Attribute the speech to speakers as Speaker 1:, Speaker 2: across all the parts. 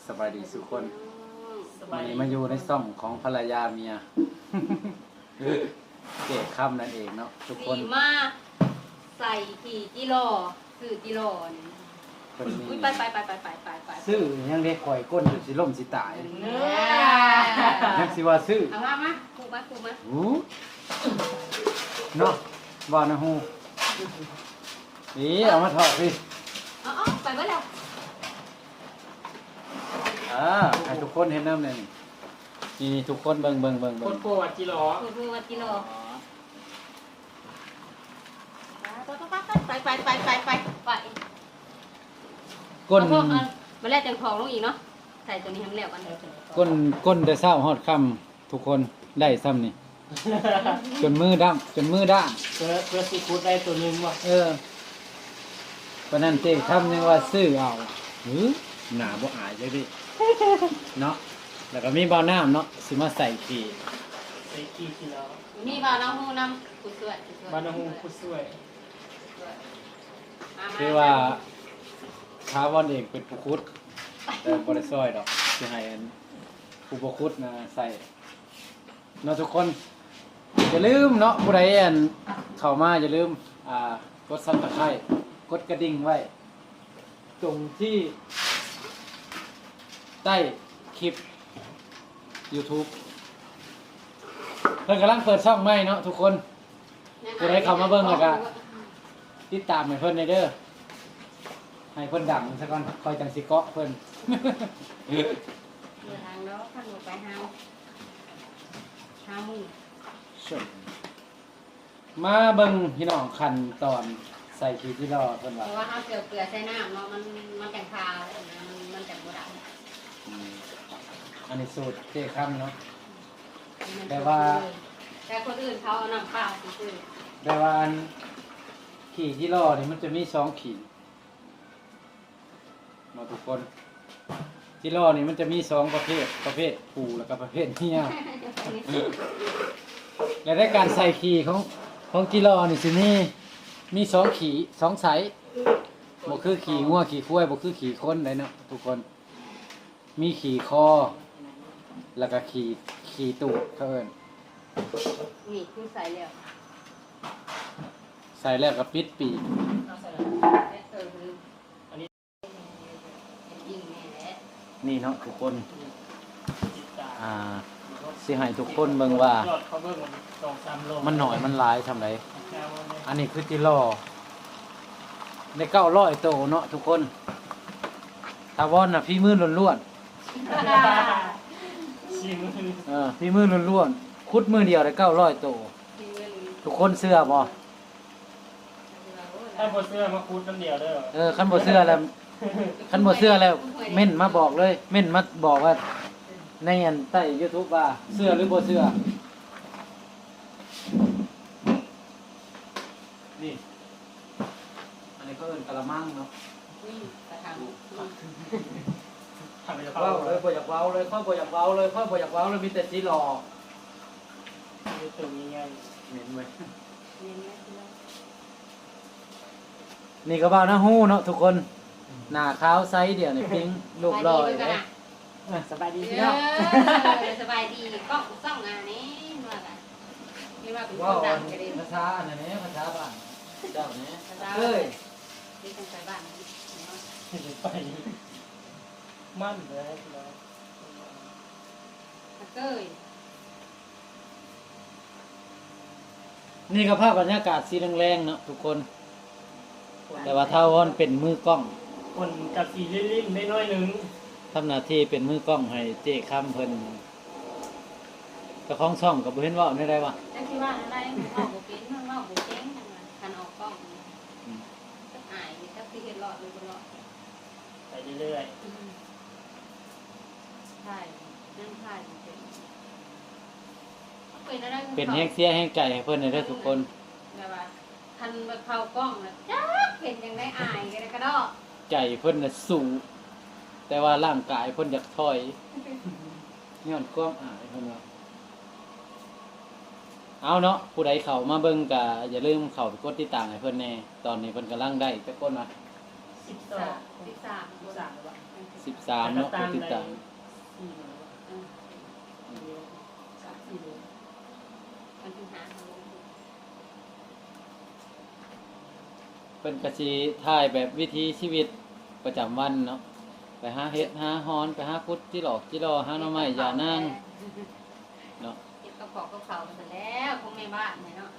Speaker 1: สบายดีทุกคนวันนี้มาอยู่ในซ่องของภรรยาเมีย เก๋ค่ำนั่นเองเนาะทุกคน
Speaker 2: ดีมากใส่ขี่จิโร่ซื้อจิโร่นี่
Speaker 1: คนนี้
Speaker 2: อุ้ยไป
Speaker 1: ซื้อยังเด็กข่อยก้นอยู่สิล่มสิตาย
Speaker 2: เนื้
Speaker 1: ยังสิว่าซื้อ
Speaker 2: เอามาคูมา
Speaker 1: หูเนาะบ่นะฮูนี่เอามาถอดสิ
Speaker 2: เอาไปเมื่อแล้ว
Speaker 1: ให้ทุกคนเห็นน้ำเลยนี่ทุกคนเบิ่ง
Speaker 3: โคตรโกวัดจิโร่
Speaker 2: คูมาจิโร่ไป
Speaker 1: ก้น
Speaker 2: มาแล้วจังของลงอีกเนาะใส่ตัวนี้ให้มันแล้วกัน
Speaker 1: ก้นแต่เช้าฮอดค่ำทุกคนได้ซ้ำนี่ จนมือด้ำเ
Speaker 3: พื่อซีฟู้ดได้ตัวหนึงว่ะ
Speaker 1: วันนั้นเจ๊ทำยังว่าซื้อเอาหนาบ่อายเลยดิ เนาะแล้วก็มีเบาน้ำเนาะสิมาใส่ขี่
Speaker 3: ใส่กี่กิโล
Speaker 2: นี่บ่าวน้ำหูน้ำผู้ช่วย
Speaker 3: บานาฮูผู้ช่วย
Speaker 1: คือว่าท้าวอนเองเป็นผู้คุดแต่บ่ได้ซอยดอกสิให้อันผู้บ่คุดนะใส่เนาะทุกคนอย่าลืมเนาะผู้ใดอันเข้ามาอย่าลืมกด Subscribe กดกระดิ่งไว้ตรงที่ใต้คลิป YouTube เพิ่นกำลังเปิดช่องใหม่เนาะทุกคนผู้ใดเข้ามาเบิ่งแล้วก็ติดตามให้เพิ่นเด้อให้เพิ่นดังซะก่อนคอยจังสิเกาะเพิ่น
Speaker 2: เดินทางแล้วขันลงไปห้ามือ
Speaker 1: มาเบิ่งพี่น้องขั้นตอนใส่ขี้ที่รอเพิ่น
Speaker 2: เพ
Speaker 1: ว่า
Speaker 2: ราะว่าเอาเกลือใส่น้ำเนาะมันจังคามันจังบ่ได้
Speaker 1: อันนี้สูตรเจ๊ค่ำเนาะ แต่
Speaker 2: คนอื่นเขาเอาน้ำข้าวซื้อ
Speaker 1: แต่ว่าอันขี้ที่รอนี่มันจะมี2ขีดมาทุกคนที่รอนี่มันจะมี2ประเภทผู้แล้วก็ประเภทเมีย และในการใส่ขี่ของกิโลนี่สิมี2ขี่2ไซส์บ่คือขี่งัวขี่ควายบ่คือขี่คนได้เนาะทุกคนมีขี่คอแล้วก็ขี่ตูดเขาเอิ้น
Speaker 2: นี่คือใส่แล้ว
Speaker 1: ใส่แล้วก็ปิดปีก
Speaker 2: คืออันนี้ยิงแม่แหละ
Speaker 1: นี่เนาะทุกคน
Speaker 3: จิตตา
Speaker 1: สิให้ทุกคนเบิ่งว่า
Speaker 3: ยอดเขาเบิ่งมัน2-3โล
Speaker 1: มันหน่อยมันหลายทำได
Speaker 3: แค่ว่าเนี่ย
Speaker 1: อันนี้คือกิโลได้900โตเนาะทุกคนถ้าวอนน่ะพี่มือล้วน
Speaker 3: ชิม
Speaker 1: ๆพี่มือล้วนๆคุดมือเดียวได้900โตทุกคนเชื่อบ่
Speaker 3: ถ้าบ่เสื้อมาคูดน้ำเดียวเด้อ
Speaker 1: คันบ่เชื่อแล้วเม่นมาบอกเลยเม่นมาบอกว่าในอันใต้ YouTube ว่าเชื่อหรือบ่เชื่อนี่อันนี้ก็เอิ้นกะละมังเนาะ
Speaker 2: กระถาง
Speaker 3: ทำไปจะ
Speaker 1: เว้า
Speaker 3: เฝ้า
Speaker 1: เลยบ่อยากเว้าเลยค่อยบ่อยากเว้าเลยค่อยบ่อยากเว้าเลยมีแต่สิหลอก
Speaker 3: ตัวนี้ไง
Speaker 1: เหม็นเว้ย
Speaker 2: เน้นไหม
Speaker 1: นี่ก็บ่าวนะฮู้เนาะทุกคนหน้าขาวไซส์เดียวนี่ปิ้งรูปหล่อเลย
Speaker 3: สบายดี
Speaker 2: เอ
Speaker 3: พี่น้อง
Speaker 2: อสบายดีก็ส่องงานนี้ว่ากันนี่ว่าเป็นค
Speaker 1: ว้าน ว
Speaker 2: ดังกันเลย
Speaker 1: ภาษาอันนี้ภาษาบ้านเจ้านี้
Speaker 2: เอ้
Speaker 1: เอ้ย
Speaker 2: นี่เป็นสายบ้าน
Speaker 3: ไปมั่นเลยพี่น้อง
Speaker 2: เก้ย
Speaker 1: นี่ก็ภาพบรรยากาศสีแรงๆเนาะทุกคน แต่ว่าถ้าวอนเป็นมือกล้อง
Speaker 3: คนกับสีลิ้นๆได้น้อยหนึง
Speaker 1: ทำหน้าที่เป็นมือกล้องให้เจ๊ค้ำเพิ่นเจ้าของช่องก็บ่เห็นเว้าได้วะ
Speaker 2: จะคิดว่าอะไรออกบุเป็นออกบุเจ๊งกันออกกล้องจะอายถ้าคือเห็นหลอดหรือบ่หลอด
Speaker 3: ไปเรื่อย
Speaker 2: ใช่นั่งถ่ายเป็นอะไร
Speaker 1: เป็นแฮงเสียแฮงใจให้เพิ่นได้เด้อทุกคน
Speaker 2: แบบว่าทันมาเข้ากล้องแล้วจ้าเป็นยังไงอายกันกระดอก
Speaker 1: ใจเพิ่นน่ะสูงแต่ว่าร่างกายเพิ่นอยากถอยย้อนความอายเพิ่นว่าเอาเนาะผู้ใดเข้ามาเบิ่งก็อย่าลืมเข้าไปกดติดตามให้เพิ่นแน่ตอนนี้เพิ่นกำลังได้จักคนนะ
Speaker 3: ๆ
Speaker 2: 13
Speaker 3: 13
Speaker 1: 13เนาะผู้ติดตาม
Speaker 2: มันคือหาเขา
Speaker 1: เพิ่นก็สิถ่ายแบบวิถีชีวิตประจำวันเนาะไปหาเห็ดหาฮอนไปหาพุดจิหลอกจิรอหาหน่อไม้ยานางเนาะ
Speaker 2: เก็บกระเพาะกระเพราไปแล้วคงไม่บ้านเลยเนาะ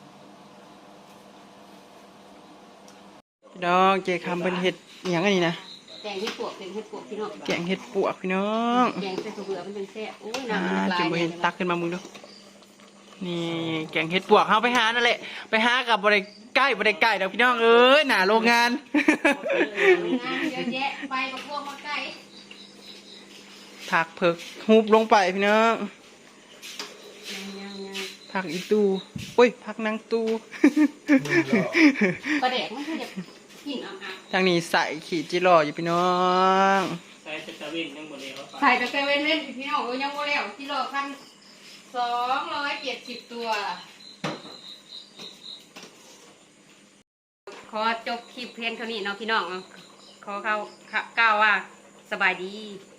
Speaker 4: พี่น้องเจคำเป็นเห็ดอหย่างอันนี้นะ
Speaker 2: แกงเห็ดปวกเป็นเห็ดปวกพี่น้อง
Speaker 4: แกงเห็ดปวกพี่น้อง
Speaker 2: แกงใส่ถั่วเบื่อมันเป็นแซ่บโอ้ย
Speaker 4: อ่า
Speaker 2: น้ำมันลาย
Speaker 4: จุ่มไปเห็นตักขึ้นมามึงดูนี่แกงเห็ดปวกเขาไปหานั่นแหละไปหากับบริใกล้บริใกล้เดี๋ยวพี่น้องเอ้ยหนาโรงงาน
Speaker 2: งานเยอะแยะไปมาพวกมาไก่
Speaker 4: ผักเผือกฮูบลงไปพี่น้องผักอีตูอุ้ยผักนางตู
Speaker 2: ปลาแดกมันคือจะกินอ่ะ
Speaker 4: ทางนี้ใส่ขีดจิรออยู่พี่น้อง
Speaker 3: ใช้ตะเวนยังหมดเลยเอาไป
Speaker 2: ใส่แต่เซเว่นเล่นพี่น้องยังโมแล้วกิโลพัน270 ตัว ขอจบคลิปเพียงเท่านี้เนาะพี่น้องขอเข้ากล่าวว่าสบายดี